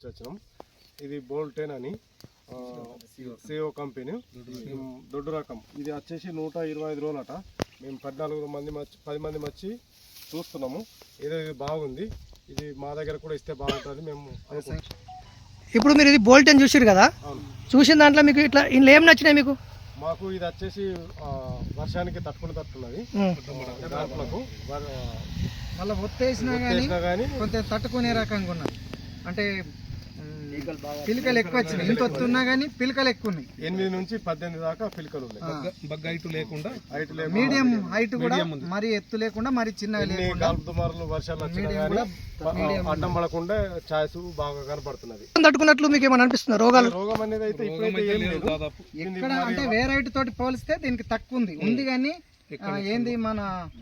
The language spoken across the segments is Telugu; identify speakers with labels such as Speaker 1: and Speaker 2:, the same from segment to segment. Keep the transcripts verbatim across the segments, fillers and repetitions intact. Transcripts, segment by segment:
Speaker 1: నుంచి వచ్చినాం. ఇది బోల్టెన్ అని సిఓ కంపెనీ దొడ్డు రకం. ఇది వచ్చేసి నూట ఇరవై ఐదు రోజులట. మేము పద్నాలుగు మంది వచ్చి పది మంది వచ్చి చూస్తున్నాము. ఏదో ఇది బాగుంది, ఇది మా దగ్గర కూడా ఇస్తే బాగుంటుంది మేము అనుకుంటున్నాం.
Speaker 2: ఇప్పుడు మీరు ఇది బోల్టెన్ చూసారు కదా, చూసిన దాంట్లో మీకు ఇట్లా ఇంట్లో ఏం నచ్చినాయి మీకు?
Speaker 1: మాకు ఇది వచ్చేసి వర్షానికి తట్టుకుని తట్టున్నది. దాంట్లోకు
Speaker 3: మళ్ళీ ఒత్తేసినా కానీ కొంచెం తట్టుకునే రకంగా ఉన్నది. అంటే పిలకలు ఎక్కువ వచ్చినాయి, ఇంత వస్తున్నా కానీ పిలకలు ఎక్కువ ఉన్నాయి.
Speaker 1: ఎనిమిది నుంచి పద్దెనిమిది దాకా పిలకలు ఉన్నాయి.
Speaker 3: మీడియం హైట్ కూడా మరి ఎత్తు లేకుండా మరి చిన్నగా లేకుండా
Speaker 1: దుమారులు వర్షాలు వచ్చినా కానీ అడ్డం పడకుండా ఛాయస్ బాగా కనపడుతున్నది.
Speaker 2: తట్టుకున్నట్లు మీకు ఏమైనా అనిపిస్తుంది? రోగాలు
Speaker 1: రోగం అనేది అయితే ఇప్పుడైతే ఏం లేదు.
Speaker 3: ఎక్కడ అంటే వేరే హైట్ తోటి పోలిస్తే దీనికి తక్కువ ఉంది ఉంది కానీ ఏంది మన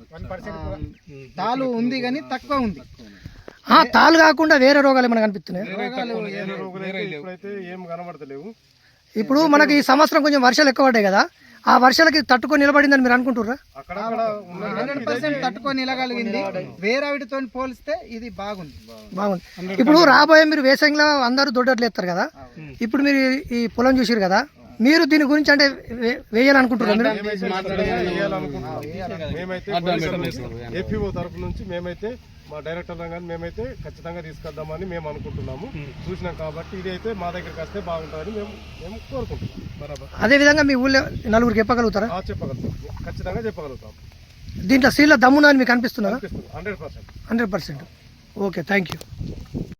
Speaker 3: తాలు ఉంది కానీ తక్కువ ఉంది.
Speaker 2: తాలు కాకుండా వేరే రోగాలు ఏమైనా కనిపిస్తున్నాయి?
Speaker 1: ఇప్పుడైతే ఏం కనబడతలేవు.
Speaker 2: ఇప్పుడు మనకి ఈ సంవత్సరం కొంచెం వర్షాలు ఎక్కువ పడ్డాయి కదా, ఆ వర్షాలకి తట్టుకొని నిలబడిందని మీరు అనుకుంటుర్రా?
Speaker 3: హండ్రెడ్ పర్సెంట్ తట్టుకొని నిలగలిగింది. వేరే వాటితో పోలిస్తే ఇది బాగుంది
Speaker 2: బాగుంది. ఇప్పుడు రాబోయే మీరు వేసంగిలో అందరూ దొడ్డట్లు ఎత్తారు కదా, ఇప్పుడు మీరు ఈ పొలం చూసారు కదా, మీరు దీని గురించి అంటే వేయాలనుకుంటున్నారు?
Speaker 1: మేమైతే ఏపీఓ తరఫు నుంచి మేమైతే మా డైరెక్టర్ కానీ మేమైతే ఖచ్చితంగా తీసుకొద్దామని మేము అనుకుంటున్నాము. చూసినాం కాబట్టి ఇది అయితే మా దగ్గరికి వస్తే బాగుంటుందని మేము మేము కోరుకుంటున్నాం. బరాబర్.
Speaker 2: అదే విధంగా మీ ఊళ్ళో నలుగురికి చెప్పగలుగుతారా?
Speaker 1: చెప్పగలుగుతాం, ఖచ్చితంగా చెప్పగలుగుతాం.
Speaker 2: దీంట్లో సీల దమ్మున అని మీకు అనిపిస్తున్నారా?
Speaker 1: Hundred percent
Speaker 2: hundred percent okay, thank you.